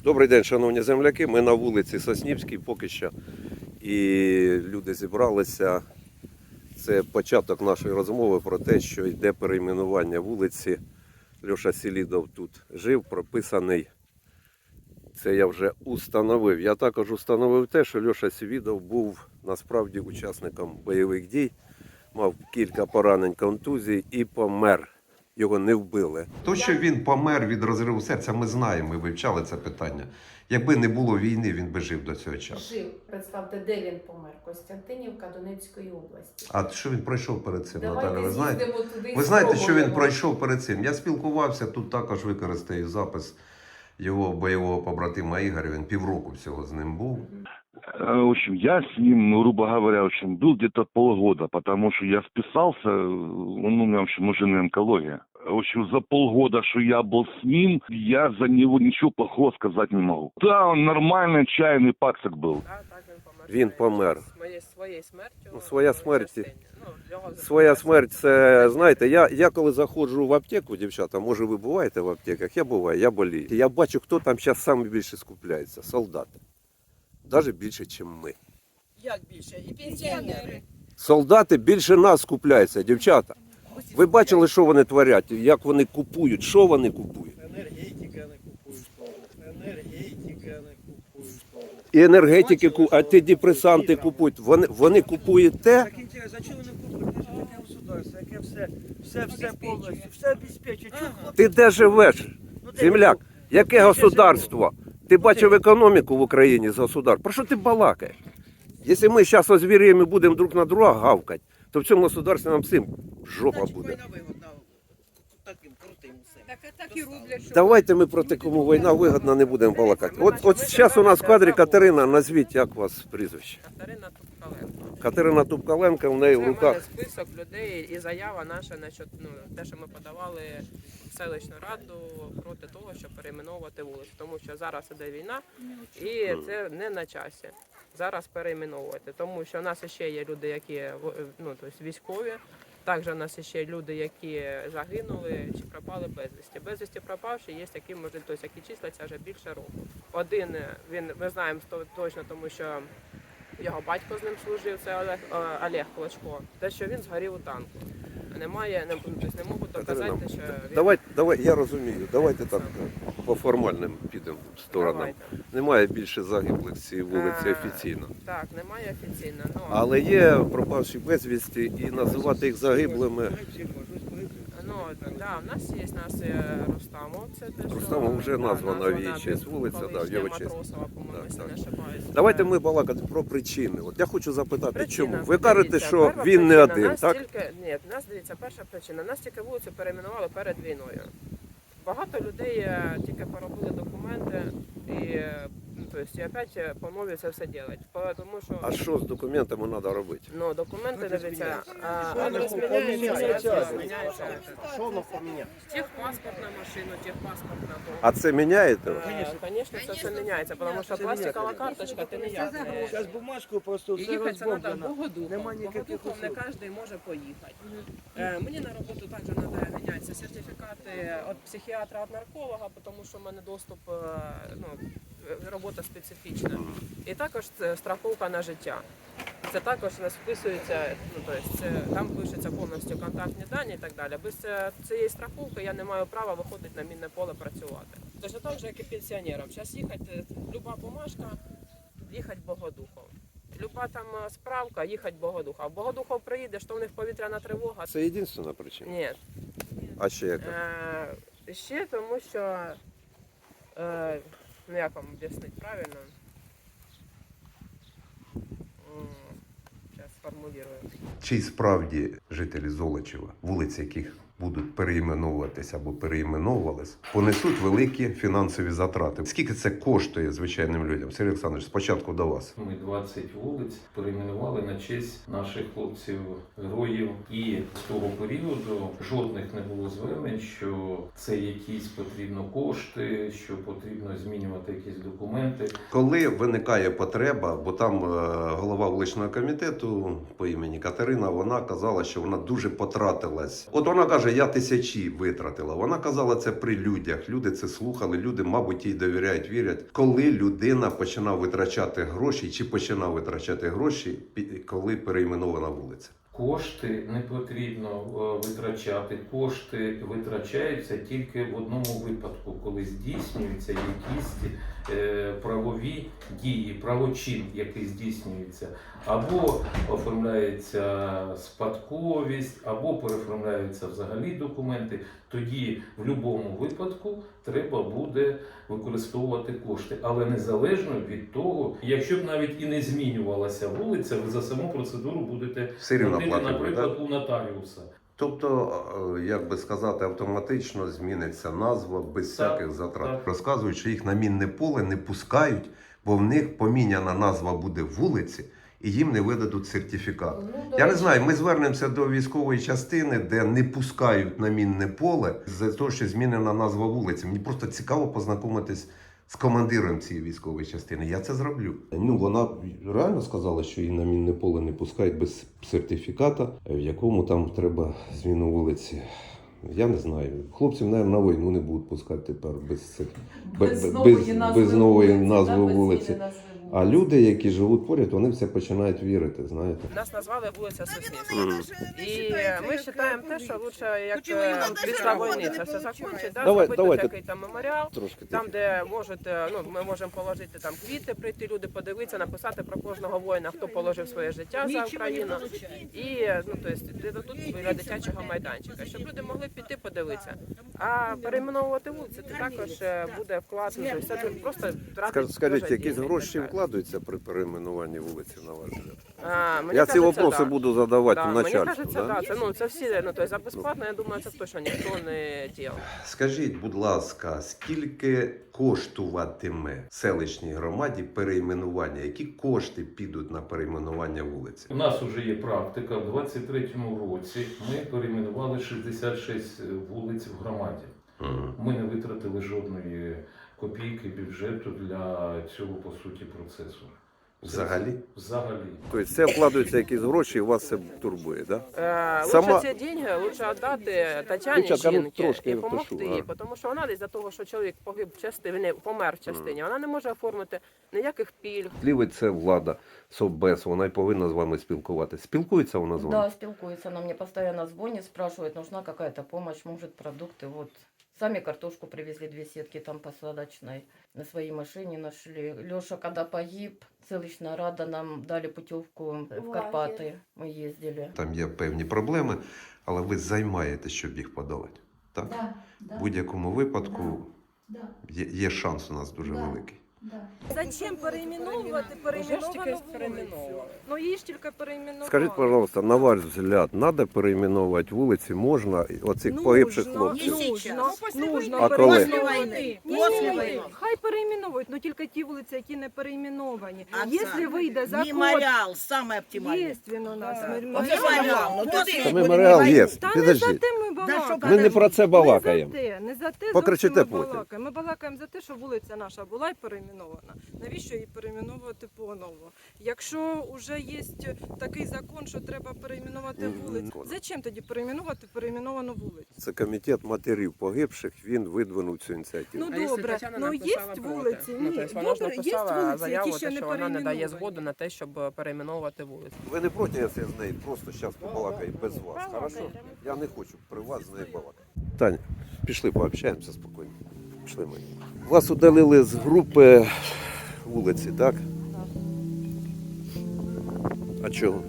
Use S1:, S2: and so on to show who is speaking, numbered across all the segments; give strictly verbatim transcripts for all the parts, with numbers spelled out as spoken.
S1: Добрий день, шановні земляки. Ми на вулиці Соснівській поки що. І люди зібралися. Це початок нашої розмови про те, що йде перейменування вулиці. Льоша Селідов тут жив, прописаний. Це я вже установив. Я також установив те, що Льоша Селідов був насправді учасником бойових дій, мав кілька поранень, контузій і помер. Його не вбили. То, що він помер від розриву серця, ми знаємо, ми вивчали це питання. Якби не було війни, він би жив до цього часу.
S2: Жив, представте, де він помер? Костянтинівка Донецької області.
S1: А що він пройшов перед цим,
S2: Давайте
S1: Наталя? Ви знаєте?
S2: туди
S1: Ви знаєте, що він
S2: спробуємо.
S1: пройшов перед цим? Я спілкувався, тут також використаю запис його бойового побратима Ігоря. Він півроку всього з ним був.
S3: В общем, я с ним, ну, грубо говоря, в общем, был где-то полгода, потому что я вписался, он у меня, в общем, уже не онкология. В общем, за полгода, что я был с ним, я за него ничего плохого сказать не могу. Да, он нормальный, чайный пацак был.
S4: Так, так, він помер.
S1: Він помер.
S4: Своєю, своєю смертю.
S1: Ну, своя
S4: в
S1: смерть.
S4: частині. Ну, його
S1: Своя смерть, це, знаєте, я, я коли заходжу в аптеку, дівчата, може ви буваєте в аптеках, я буваю, я болію. Я бачу, хто там зараз саме більше скупляється, солдати. Навіть більше, ніж ми.
S4: Як більше? І пенсіонери.
S1: Солдати більше нас скупляються, дівчата. Ви бачили, що вони творять, як вони купують, що вони купують?
S5: Енергетика не купують. Енергетика не купують.
S1: І енергетики, ку- а ті депресанти купують. Вони, вони купують те,
S5: Так інтересно, а чого вони купують? Це ж таке государство, яке все, все, все повністю, все обезпечує. Чого хлопці?
S1: ти де живеш,
S5: Ну, де
S1: земляк?
S5: ви?
S1: Яке
S5: Де
S1: государство? Ти бачив економіку в Україні з государства? Про що ти балакаєш? Якщо ми зараз озвіріємо і будемо друг на друга гавкати, то в цьому государстві нам всім жопа буде.
S4: Так, так і роблять, що...
S1: Давайте ми проти кому війна вигодна не будемо балакати. От, от зараз у нас в кадрі Катерина, назвіть, як у вас прізвище.
S4: Катерина Тупкаленко.
S1: Катерина Тупкаленко, в неї
S4: Це
S1: в
S4: в мене
S1: руках.
S4: список людей і заява наша, насчет, ну, те, що ми подавали в селищну раду проти того, щоб перейменовувати вулицю. Тому що зараз іде війна і це не на часі. Зараз перейменовувати. Тому що у нас ще є люди, які ну, тобто військові. Також у нас ще люди, які загинули чи пропали безвісті. Безвісті пропавші є такі, може, тобто, які числяться вже більше року. Один, він, ми знаємо точно, тому що його батько з ним служив, це Олег, е, Олег Клочко. Те, що він згорів у танку. Немає, не, тобто, не можуть доказати,
S1: Катерина,
S4: що він...
S1: Давай, давай, я розумію, давайте так по формальним підемо сторонам.
S4: Давайте.
S1: Немає більше загиблих з цієї вулиці
S4: Е,
S1: офіційно.
S4: Так, немає офіційно. Ну,
S1: Але є пропавші безвісті і називати їх загиблими.
S4: ну, да, у нас є у нас є Рустамов, це те, що...
S1: Рустамов вже
S4: да,
S1: названа в її
S4: названа
S1: честь вулиця, да, в
S4: колишня
S1: його честь.
S4: Матросова, по-моєму,
S1: Так,
S4: якщо
S1: так.
S4: не ошибаюсь.
S1: Давайте ми балакати про причини. От я хочу запитати,
S4: Причина.
S1: чому? Ви кажете,
S4: Дивіться,
S1: що
S4: перша
S1: він не
S4: причина,
S1: один,
S4: нас
S1: так?
S4: Тільки, ні, нас, дивіться, перша причина. Нас тільки вулицю перейменували перед війною. Багато людей е, тільки поробили документи і, е, ну, тобто, і опять по нові це все роблять. Тому що,
S1: А що з документами треба робити?
S4: ну, документи, дивіться, а,
S5: Що
S4: адрес
S5: воно
S4: міняється,
S5: поміняється?
S4: адрес міняється.
S5: Що воно поміняє?
S4: Техпаспорт на машину, техпаспорт на дом.
S1: А це міняєте?
S4: Звісно, це все міняється, тому що пластикова карточка, ти ніяк не...
S5: Зараз бумажку просто
S4: І
S5: все
S4: їхати це треба
S5: розбомблено.
S4: Богодухом.
S5: Нема ніяких
S4: Богодухом не
S5: услуг.
S4: кожен може поїхати. Е, мені на роботу також треба мінятися сертифікати від психіатра, від нарколога, тому що в мене доступ, е, ну, робота специфічна. І також це страховка на життя. Це також у нас вписується, ну, тобто це, там пишуться повністю контактні дані і так далі. Без е, цієї страховки я не маю права виходити на мінне поле працювати. Точно так же, як і пенсіонерам. Зараз їхати, люба бумажка, їхати Богодухов. Люба там е, справка, їхати Богодуха. В Богодухов приїдеш, то в них повітряна тривога.
S1: Це єдина причина.
S4: Ні.
S1: А ще яка?
S4: Е, ще тому, що, е, ну як вам об'яснити правильно, зараз сформулюю.
S1: Чи справді жителі Золочева, вулиці яких будуть переіменовуватися або переіменовувались, понесуть великі фінансові затрати? Скільки це коштує звичайним людям? Сергій Олександрович, спочатку до вас.
S6: Ми двадцять вулиць перейменували на честь наших хлопців-героїв. І з того періоду жодних не було звернень, що це якісь потрібно кошти, що потрібно змінювати якісь документи.
S1: Коли виникає потреба, бо там е, голова вуличного комітету по імені Катерина, вона казала, що вона дуже потратилась. От вона каже, каже, я тисячі витратила. Вона казала це при людях. Люди це слухали, люди, мабуть, їй довіряють, вірять. Коли людина починав витрачати гроші, чи починав витрачати гроші, пі- коли перейменована вулиця?
S6: Кошти не потрібно е, витрачати. Кошти витрачаються тільки в одному випадку, коли здійснюються якісь е, правові дії, правочин, який здійснюється. Або оформляється спадковість, або переоформляються взагалі документи. Тоді в будь-якому випадку треба буде використовувати кошти. Але незалежно від того, якщо б навіть і не змінювалася вулиця, ви за саму процедуру будете
S1: Все рівно
S6: платити,
S1: платимо,
S6: наприклад,
S1: так?
S6: у нотаріуса.
S1: Тобто, е, як би сказати, автоматично зміниться назва без
S6: Так,
S1: всяких затрат.
S6: так.
S1: Розказують, що їх на мінне поле не пускають, бо в них поміняна назва буде вулиці, і їм не видадуть сертифікат.
S2: Ну, до
S1: Я не
S2: речі,
S1: знаю, ми звернемося до військової частини, де не пускають на мінне поле за те, що змінена назва вулиці. Мені просто цікаво познайомитись з командиром цієї військової частини. Я це зроблю. Ну, вона реально сказала, що її на мінне поле не пускають без сертифіката, в якому там треба зміну вулиці. Я не знаю. Хлопців, мабуть, на війну не будуть пускати тепер без, цих- без, без, без, без нової назви вулиці. А люди, які живуть поряд, вони все починають вірити, знаєте.
S4: Нас назвали вулиця Соснівська.
S1: Мгм.
S4: І ми вважаємо те, що лучше, як е, після війни це все закінчить, да,
S1: Давай-
S4: зробити
S1: давайте.
S4: такий там меморіал,
S1: Трошки
S4: там,
S1: тихо.
S4: де можете, ну, ми можемо положити там квіти, прийти люди подивитися, написати про кожного воїна, хто положив своє життя за Україну. І, ну, то есть, де тут біля дитячого майданчика, щоб люди могли піти подивитися. А перейменовувати вулиці, це також е, буде вклад, ну, тобто це просто
S1: Скаж-
S4: тратить
S1: Скажіть,
S4: дуже
S1: якісь
S4: денег,
S1: гроші
S4: так.
S1: вкладаються при перейменуванні вулиці, на ваш взгляд?
S4: А, мені
S1: Я ці
S4: кажеться,
S1: вопроси
S4: да.
S1: буду задавати
S4: Да, мені
S1: начальству.
S4: кажеться,
S1: Да?
S4: да, це, ну, це всі, ну, то есть, за безплатно, я думаю, це точно ніхто не діяв.
S1: Скажіть, будь ласка, скільки коштуватиме селищній громаді перейменування? Які кошти підуть на перейменування вулиці?
S6: У нас вже є практика. В двадцять третьому році ми перейменували шістдесят шість вулиць в громаді.
S1: Мгм.
S6: Ми не витратили жодної копійки бюджету для цього, по суті, процесу.
S1: Взагалі?
S6: Взагалі.
S1: Тобто це вкладаються якісь гроші і вас це турбує, так? Да?
S4: Е,
S1: Сама-
S4: Лучше ці гроші лучше віддати Тетяні
S1: Дівчатка, ну,
S4: жінки
S1: трошки
S4: і
S1: я
S4: допомогти
S1: пишу,
S4: їй,
S1: а.
S4: тому що вона десь за того, що чоловік погиб в частині, помер в частині, вона не може оформити ніяких пільг.
S1: Лівий це влада, Совбез, вона й повинна з вами спілкуватися. Спілкується вона з вами?
S7: Да, спілкуется. Она мне постоянно звонит, спрашивает, нужна какая-то помощь, может, продукты. Вот сами картошку привезли, две сетки там посадочной. На своей машине нашли. Леша, когда погиб, селищная рада нам дали путевку в Карпаты. Мы ездили.
S1: Там є певні проблеми, але ви займаєтесь, щоб їх подолати. Так?
S8: Да, да,
S1: В будь-якому випадку
S8: да,
S1: є, є шанс у нас дуже
S8: Да.
S1: великий.
S8: да.
S9: Зачем перейменовувати
S4: Вже ж тільки
S9: перейменовану вулицю?
S4: перейменовували.
S9: Ну її ж тільки перейменували.
S1: Скажіть, пожалуйста, на ваш взгляд, треба перейменувати вулиці, можна оцих
S9: Нужно,
S1: погибших хлопців?
S9: Нужно, нужно
S1: А коли?
S9: перейменовувати. Ні,
S8: Після
S9: ні,
S8: війни.
S9: хай перейменують, але тільки ті вулиці, які не перейменовані.
S8: А
S9: Якщо
S8: це
S9: вийде закон,
S8: Меморіал саме
S9: є
S8: оптимальний.
S9: він у нас.
S8: Оце
S9: Меморіал.
S8: ну туди.
S1: Та меморіал є.
S9: Та не за
S1: Підождіть.
S9: те ми балакаємо.
S1: Ми не про це балакаємо.
S9: Не за те, не за те
S1: Покричите
S9: зовсім ми
S1: потім.
S9: балакаємо. Ми балакаємо за те, що вулиця наша була й перейменована. Навіщо її перейменовувати по-новому? Якщо вже є такий закон, що треба перейменувати
S1: Мгм.
S9: вулицю, зачем тоді перейменувати перейменовану вулицю?
S1: Це комітет матерів погибших, він видвинув цю ініціативу.
S9: Ну
S4: А якщо
S9: добре,
S4: Тетяна
S9: ну є
S4: написала проти?
S9: вулиці,
S4: Ну,
S9: ні,
S4: тобто вона ж
S9: добре, є
S4: написала
S9: вулиці,
S4: заяву,
S9: які ще
S4: те,
S9: не
S4: що вона не дає
S9: перейменовані.
S4: згоду на те, щоб перейменовувати вулицю.
S1: Ви не проти, якщо я з нею просто зараз побалакаю без вас, хорошо? Я не хочу при вас з нею балакати. Таня, пішли пообщаємося спокійно. Пішли ми. Вас удалили з групи вулиці, так? А чого?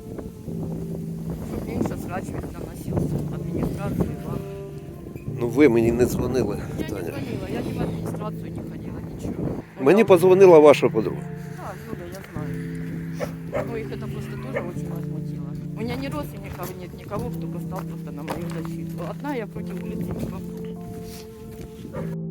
S7: Чтобы меньше срач весь доносился. Администрацию, вам.
S1: Ну ви мені не дзвонили,
S7: Я не
S1: Таня.
S7: звонила, я ни в администрацию не ходила, ничего.
S1: Мені позвонила ваша подруга.
S7: Да, Люда, я знаю. Ну, их это просто тоже очень возмутило. У меня ни родственников нет, никого, кто бы стал просто на мою защиту. Одна я против улицы не попру.